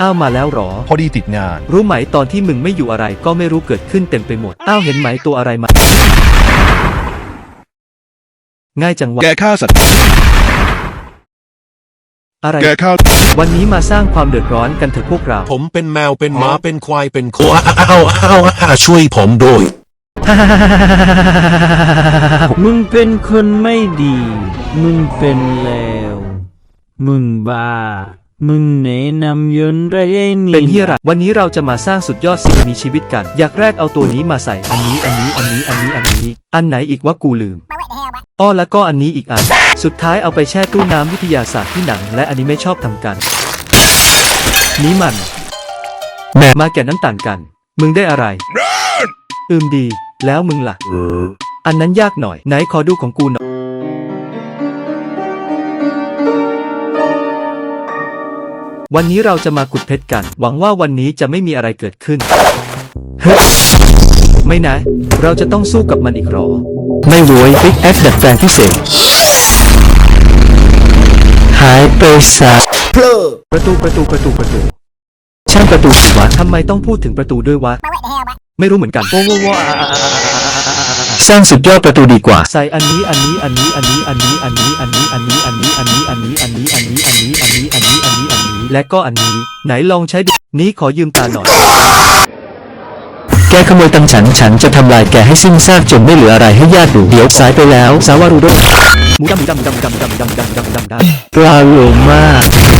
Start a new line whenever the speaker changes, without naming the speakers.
อ้าวมาแล้วหรอ
พอดีติดงาน
รู้ไหมตอนที่มึงไม่อยู่อะไรก็ไม่รู้เกิดขึ้นเต็มไปหมดอ้าวเห็นไหมตัวอะไรมาง่ายจังวะ
แกฆ่าสัตว์
อะไร
แกฆ่า
วันนี้มาสร้างความเดือดร้อนกันเถอะพวกเรา
ผมเป็นแมวเป็นหมาเป็นควายเป็นโคอ้าวช่วยผมด้วย
มึงเป็นคนไม่ดี มึงเป็นเลวมึงบ้า มึงแนะนำยนต์ไรไอ้นี่
เป็นเฮียอะไรวันนี้เราจะมาสร้างสุดยอดสิ่งมีชีวิตกัน อยากแรกเอาตัวนี้มาใส่อันนี้อันไหนอีกว่ากูลืมอ้อแล้วก็อันนี้อีกอันสุดท้ายเอาไปแช่ตู้น้ำวิทยาศาสตร์ที่หนังและอนิเมะชอบทำกันนี้มันแม่มาแก่นั้นต่างกัน มึงได้อะไรดีแล้วมึงล่ะอันนั้นยากหน่อยไหนขอดูของกูหน่อยวันนี้เราจะมาขุดเพชรกัน หวังว่าวันนี้จะไม่มีอะไรเกิดขึ้นเฮ้ยไม่นะ เราจะต้องสู้กับมันอีกหรอ ไม่รวยบิ๊กแอคดัดแปลงพิเศษ หายไปซะประตูช่างประตูสิวะทำไมต้องพูดถึงประตูด้วยวะ ไม่รู้เหมือนกันโว้สร้างสุดยอดประตูดีกว่า ใส่อันนี้และก็อันนี้ไหนลองใช้ดูนี้ขอยืมตาหน่อยแกขโมยตังฉันจะทำลายแกให้สิ้นซากจนไม่เหลืออะไรให้ญาติดูเดี๋ยวสายไปแล้วสาวารูโดหมูดำปลาโลมา